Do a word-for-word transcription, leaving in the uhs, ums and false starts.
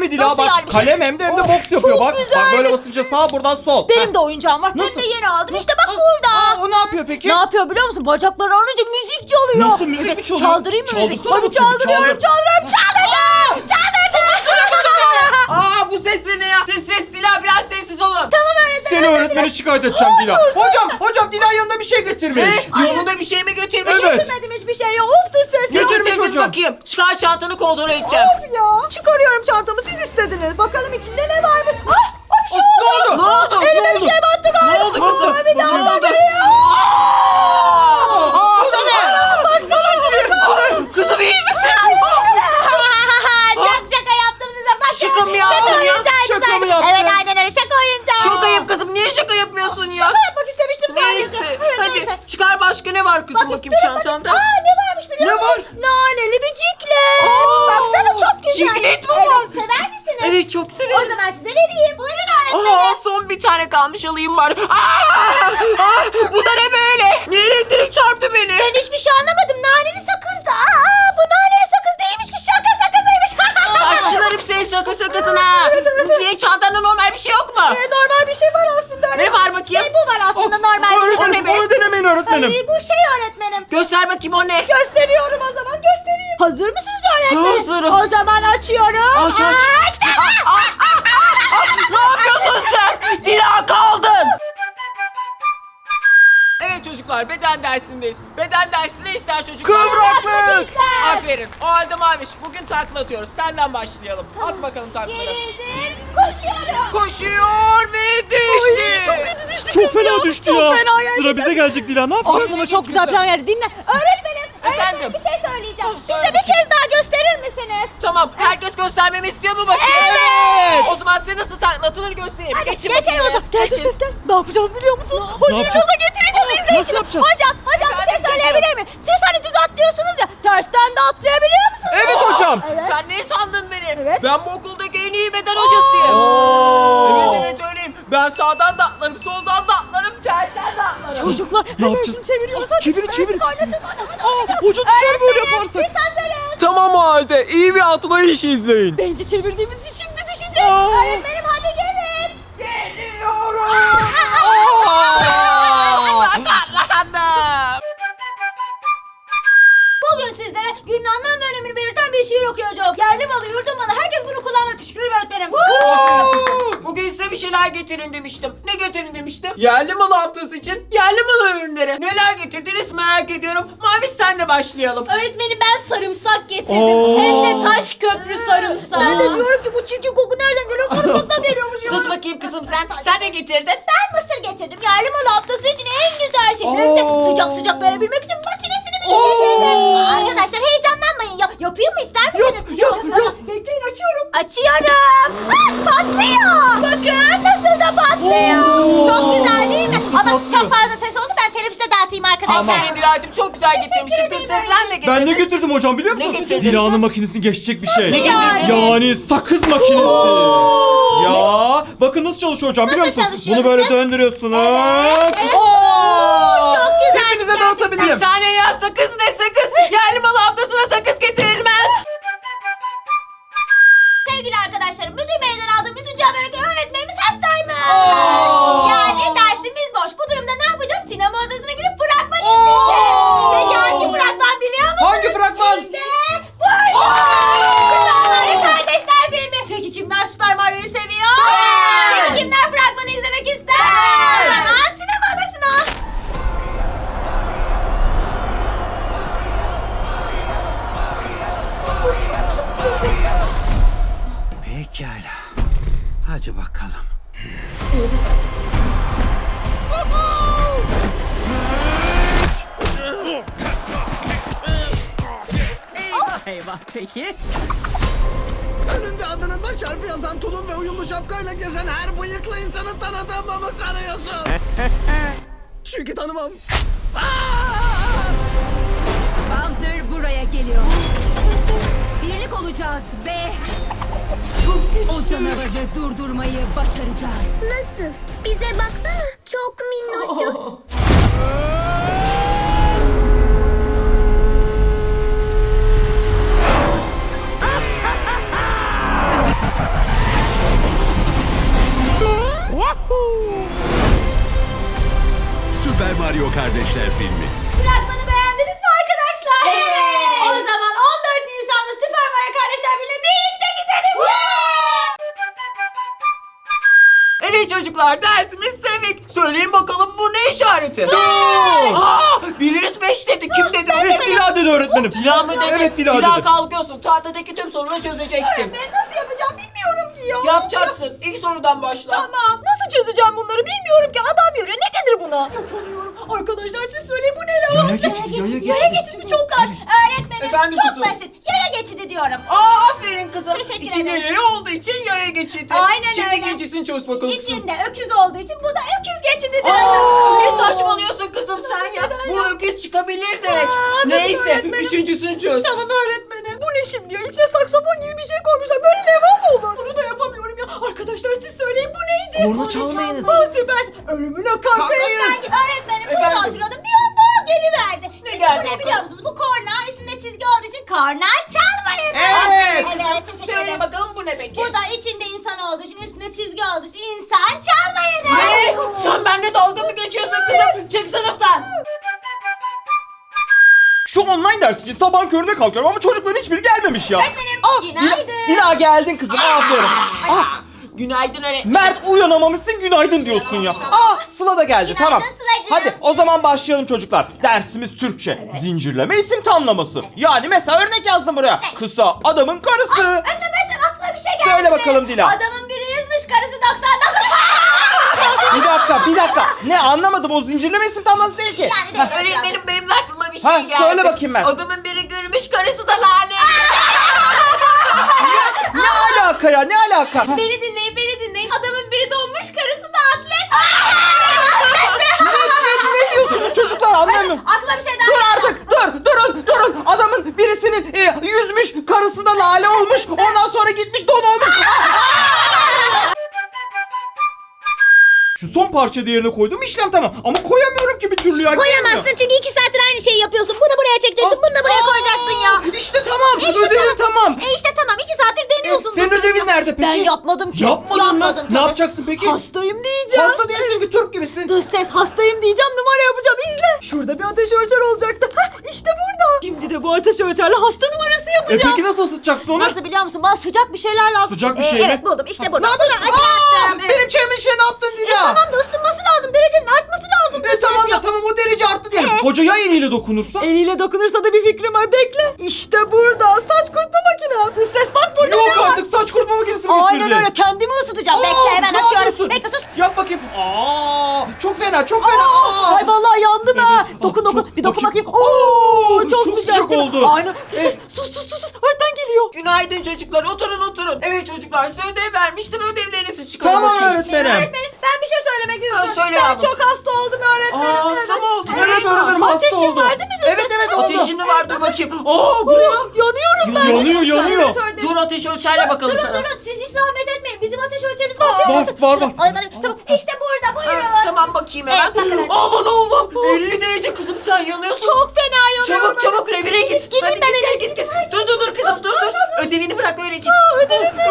Tabii Dila, Nasıl bak yani? Bir şey- kalem hem de hem de Oh, boks yapıyor çok bak. Bak güzelmiş. böyle basınca sağ, buradan sol. Benim Heh. de oyuncağım var. Nasıl? Ben de yeni aldım. İşte bak Aa, burada. aa, o ne yapıyor peki? Ne yapıyor biliyor musun? Bacaklarını alınca müzik çalıyor. Nasıl, müzik Evet, mi çalıyor? Çaldırayım mı müzik? Çaldırsana Hadi bakayım, çaldırıyorum, çaldır. çaldırıyorum, çaldırdım. Çaldırdım. Aa, bu ses ne ya? Ses ses Dila, biraz sessiz olun. Tamam öğretmenim. Seni öğretmeni şikayet edeceğim Dila. Hocam, hocam Dila yanında bir şey getirmiş. Ne? Yolunda bir şey mi götürmüş? Evet. Getirmedim hiçbir şey ya. Of da ses. Ne ya. Getirmiş getirdin hocam. bakayım? Çıkar çantanı, kontrol edeceğim. Of ya. Çıkarıyorum çantamı, siz istediniz. Bakalım içinde ne varmış. Ah, ah, bir şey Ne oldu. oldu? Ne oldu? Elime Ne bir oldu? şey battı galiba. Ne oldu kızım? Aa, bir daha Ne bak. oldu? Baksana şuraya. Kızım iyi misin? Çok şaka yaptım size. Bakın. Şaka mı yaptın Şaka ya? oyuncağıydı Şaka zaten. mı yaptın? Evet aynen öyle, şaka oyuncağı. Çok ayıp kızım. Niye şaka yapmıyorsun ya? Şaka yapmak istemiştim sadece. Neyse. Evet, Hadi neyse. çıkar, başka ne var kızım, Bakın, bakayım durun, çantanda. bakın. Aa, ne varmış biliyor Ne musun? var? Naneli bir ciklet. Aa, Baksana çok güzel. ciklet mi Evet, var? sever misiniz? Evet, çok O severim. zaman size vereyim. Buyurun öğretmenim. Aa, son bir tane kalmış, alayım bari. Aa, aa, bu da ne böyle? Niye elektrik çarptı beni? Ben hiçbir şey anlamadım. Naneli sakızdı. Aa, bu naneli sakız değilmiş ki, şaka sakızıymış. Başlarım senin şaka şakasına. Senin çantanda normal bir şey yok mu? Ee, normal bir şey var aslında. Ne var bakayım? Şey, bu var aslında normal bir şey. O ne Öğretmenim, be? onu denemeyin öğretmenim. Ay, bu şey öğretmenim. Göster bakayım, o ne? Gösteriyorum o zaman, göstereyim. Hazır mısınız öğretmenim? Hazırım. O zaman açıyorum. Aç aç. Açtım. Aa, aa, aa, aa. Ne yapıyorsun sen? Dila, kaldın. Evet çocuklar, beden dersindeyiz. Beden dersi ne ister çocuklar? Kıvraklık. Aferin. O halde Maviş, bugün takla atıyoruz. Senden başlayalım. At bakalım taklaları. Gerildim. Koşuyorum. Koşuyor ve düştü. Çok kötü düştü Çok kız fena ya. düştü Çok ya. fena yani. Sıra bize gelecek Dila, ne yapacağız? Aklıma çok güzel plan geldi. Dinle. Öğretmenim. Efendim? Öğretmenim, bir şey söyleyeceğim. Söyle Size bir kez daha gösterir misiniz? Tamam, herkes göstermemi istiyor mu bakayım? Evet. O zaman size nasıl takla atılır göstereyim. Hadi Geçin geçelim bakayım o zaman. buraya. Geldi Geçin. ses gel. Ne yapacağız biliyor musunuz? Hocayı yapacağız? gaza getireceğiz. Aa, İzleyin nasıl şimdi. yapacağız? Hocam, hocam bir şey Efendim, söyleyebilir miyim? Siz hani düz atlıyorsunuz ya. Tersten de atlayabiliyor musunuz? Evet hocam. Evet. Sen ne sandın beni? Evet. Ben bu okuldaki en iyi beden hocasıyım. Oo. Evet evet öyleyim. Ben sağdan da atlarım, soldan da atlarım, tersten de atlarım. Çocuklar Ne hemen yapacağız? şunu çeviriyoruz. Hadi. Çevir, çevir. Evet, kaynatacağız. Hadi, hadi, Aa, hadi. hoca düşer böyle Öğretmenim, yaparsak. Biz hazırız. Tamam o halde. İyi bir atlayış izleyin. Bence çevirdiğimiz için şimdi düşeceğiz. Aa. Öğretmenim hadi gelin. Geliyorum. Sakatlandım. Bugün sizlere günün anlam ve önemini belirten bir şiir okuyacağım. Yerli malı, yurdum malı. Herkes bunu kullanmalı. Teşekkür ederim öğretmenim. Aferin kızım. Bugün size bir şeyler getirin demiştim. Ne getirin demiştim? Yerli malı haftası için yerli malı ürünleri. Neler getirdiniz merak ediyorum. Mavi senle başlayalım. Öğretmenim ben sarımsak getirdim. Oo. Hem de taş köprü sarımsağı. Ben de diyorum ki bu çirkin koku nereden geliyor? Sarımsaktan geliyormuş ya. Sus bakayım kızım sen. Sen ne getirdin? Ben mısır getirdim. Yerli malı haftası için en güzel şey. Hem de Oo. sıcak sıcak verebilmek için makinesini bile Oo. getirdim. Arkadaşlar heyecanlanmayın ya. Yapayım mı, ister misiniz? Yap, yap, yap. Bekleyin, açıyorum. Açıyorum. Ah, patlıyor. Bakın nasıl da patlıyor. Oo. Çok güzel değil mi? Ama Patlıyor. çok fazla ses oldu. Ben teneffüste dağıtayım arkadaşlar. Aferin Dilacığım, çok güzel getirmişsin. Kız ederim. seslen ne getirdin? Ben ne getirdim hocam biliyor musun? Ne getirdin? Dila'nın makinesini geçecek bir şey. Ne getirdin? Yani sakız makinesi. Ya bakın nasıl çalışıyor hocam biliyor Nasıl musun? çalışıyor Bunu böyle lütfen? döndürüyorsunuz. Evet, evet. Oo! Çok güzel. Hepinize Bir dağıtabilirim. saniye ya, sakız ne sakız? Yerli malı haftasına sakız getirilmez. Sevgili arkadaşlarım, müdür beyden aldığım üzücü haberi ki öğretmenimiz hastaymış. Oo. Yani dersimiz boş. Bu durumda ne yapacağız? Sinema odasına girip fragman izleyeceğiz. Oo. Peki hangi fragman biliyor musunuz? Hangi fragman? İşte burada. Süper Mario Kardeşler filmi. Peki kimler Süper Mario'yu seviyor? Peki kimler fragmanı izlemek ister? O zaman sinema odasına. Pekala. Hadi bakalım. Eyvah, peki. Önünde adının baş harfi yazan tulum ve uyumlu şapkayla gezen her bıyıklı insanı tanıdığımı sanıyorsun? Çünkü tanımam. Bowser buraya geliyor. Birlik olacağız ve o canavarı durdurmayı başaracağız. Nasıl? Bize baksana. Çok minnoşuz. Mario Kardeşler filmi. Fragmanı beğendiniz mi arkadaşlar? Evet. O zaman on dört Nisan'da Süper Mario Kardeşler Birliği'ne birlikte gidelim. Evet çocuklar, dersimiz sevik. Söyleyin bakalım, bu ne işareti? Aa, biriniz beş dedi. Kim dedi? Evet Dila dedi öğretmenim. Dila mı dedi? Evet Dila Dila dedi. kalkıyorsun. Tahtadaki tüm soruları çözeceksin. Ben nasıl yapacağım bilmiyorum ki ya. Yapacaksın. İlk sorudan başla. Tamam. Nasıl çözeceğim bunları bilmiyorum ki. Adam yürüyor. Ne denir buna? Yapamıyorum. Arkadaşlar siz söyleyin bu ne lan? Yaya geçidi, yaya geçidi. Yaya geçidi mi? Çok kolay. Öğretmenim Efendim çok kızım? basit. Yaya geçidi diyorum. Aa, aferin kızım. Teşekkür İçinde ederim. yaya olduğu için yaya geçidi. Aynen Şimdi öyle. ikincisini çöz bakalım. İçinde öküz olduğu için bu da öküz geçidi Aa, diyorum. ne saçmalıyorsun kızım sen ya? Bu öküz çıkabilir direkt. Neyse, üçüncüsünü çöz. Tamam öğretmenim. Bu ne şimdi ya? İçine saksafon gibi bir şey koymuşlar. Böyle leva mı olur? Bunu da yapamıyorum ya. Arkadaşlar siz söyleyin bu neydi? Korna çalmayınız. Aa süpersin. Ölümüne kankayız Kankayız. sanki. Öğretmenim burada Efendim? oturuyordum. Bir anda o geliverdi. Ne Şimdi geldi bu ne bakalım? biliyor musunuz? Bu korna üstünde çizgi olduğu için korna çalmayın. Evet. Evet teşekkür Söyle ederim. bakalım, bu ne peki? Bu da içinde insan olduğu için üstünde çizgi olduğu için insan çalmayın. Ne? Sen benimle dalga mı geçiyorsun kızım? Çık sınıftan. Şu online ders için sabah köründe kalkıyorum ama çocukların hiçbiri gelmemiş ya. Öğretmenim Dila, günaydın. Dila geldin kızım aferin. Ah, Günaydın öğretmenim. Mert uyanamamışsın günaydın diyorsun ya. Aa Sıla da geldi Günaydın tamam. Sıla'cığım. Hadi o zaman başlayalım çocuklar. Dersimiz Türkçe. Zincirleme isim tamlaması. Yani mesela örnek yazdım buraya. Kısa adamın karısı. Öğretmenim öğretmenim aklıma bir şey geldi. Söyle bakalım Dila. Adamın biri yüzmüş karısı doksan dokuz. Bir dakika bir dakika. Ne anlamadım o zincirleme isim tamlaması değil ki. Yani de- Öğretmenim benim de aklıma bir şey Ha, geldi. söyle bakayım ben. Adamın biri gülmüş, karısı da lanet. Ne alaka ya ne alaka? Beni dinleyin beni dinleyin. Adamın biri donmuş karısı da atlet. Ne diyorsunuz çocuklar anlamıyorum. Aklıma bir şey daha Dur geldi. artık dur durun durun. Adamın birisinin e, yüzmüş karısı da lale olmuş. Ondan sonra gitmiş don olmuş. Şu son parça değerine koydum işlem tamam. Ama koyamıyorum ki bir türlü ya. Koyamazsın çünkü iki saattir aynı şeyi yapıyorsun. Bunu buraya çekeceksin, bunu da buraya koyacaksın ya. İşte tamam. İşte ödevim tamam. E işte tamam iki saattir deniyorsun. Senin ödevin nerede peki? Ben yapmadım ki. Yapmadın mı? Yapmadım Ne tabii. yapacaksın peki? Hastayım diyeceğim. Hasta değilsin ki Türk gibisin. Dış ses hastayım diyeceğim numara yapacağım izle. Şurada bir ateş ölçer olacaktı. Hah işte burada. Şimdi de bu ateş ölçerle hasta numarası E yapacağım. peki nasıl ısıtacaksın onu? Nasıl biliyor musun? Bana sıcak bir şeyler lazım. Sıcak bir Ee, şey mi? Evet buldum işte burada. Ne yapıyorsun? Bunu açacaktım. Evet. Benim çevimin içine ne yaptın Dila? E, tamam da ısınması lazım. Derecenin artması lazım. E tamam da tamam o derece arttı diyelim. Hoca ya eliyle dokunursa? Eliyle dokunursa da bir fikrim var. Bekle. İşte burada. Saç kurutma makine. Dış ses bak burada Yok ne var? artık saç kurutma makinesi mi Aynen getirdin? öyle. Kendimi ısıtacağım. Aa, Bekle hemen ne açıyorum. yapıyorsun? Bekle sus. Yap bakayım. Aa, çok fena çok fena. Aa. Ay vallahi yandım ha. Evet. Dokun Aa, dokun. çok- Bir dokun bakayım. bakayım. Oo, çok, çok sıcak, sıcak değil mi? oldu. Aynen. Sus sus sus sus sus. sus. Öğretmen geliyor. Günaydın çocuklar, oturun oturun. Evet çocuklar, size ödev vermiştim, ödevlerinizi çıkarın Tamam bakayım. öğretmenim. Öğretmenim ben bir şey söylemek istiyorum. söyle ben yavrum. çok hasta oldum öğretmenim. Aa, hasta mı oldun? Evet öğretmenim hasta Ateşim oldu. var değil mi? Dış Evet ses? evet oldu. Ateşin mi var? Dur bakayım. Oo, bu ne? Yanıyorum ben. Yanıyor yanıyor. Evet, öğretmenim. Dur ateş ölçerle bakalım Durun sana. durun siz hiç zahmet etmeyin. Bizim ateş ölçerimiz var. Var, değil mi? Siz- var, Şurada- var. Ay, bana- Tamam işte burada buyurun. Ha, tamam bakayım hemen. Evet, bakın. Aman oğlum, elli derece kızım sen yanıyorsun. Çok fena yanıyorum. Çabuk çabuk revire git. Gideyim Hadi ben git, en git, git, git. Dur dur dur kızım dur dur. Ödevini bırak öyle git. Ödevimi.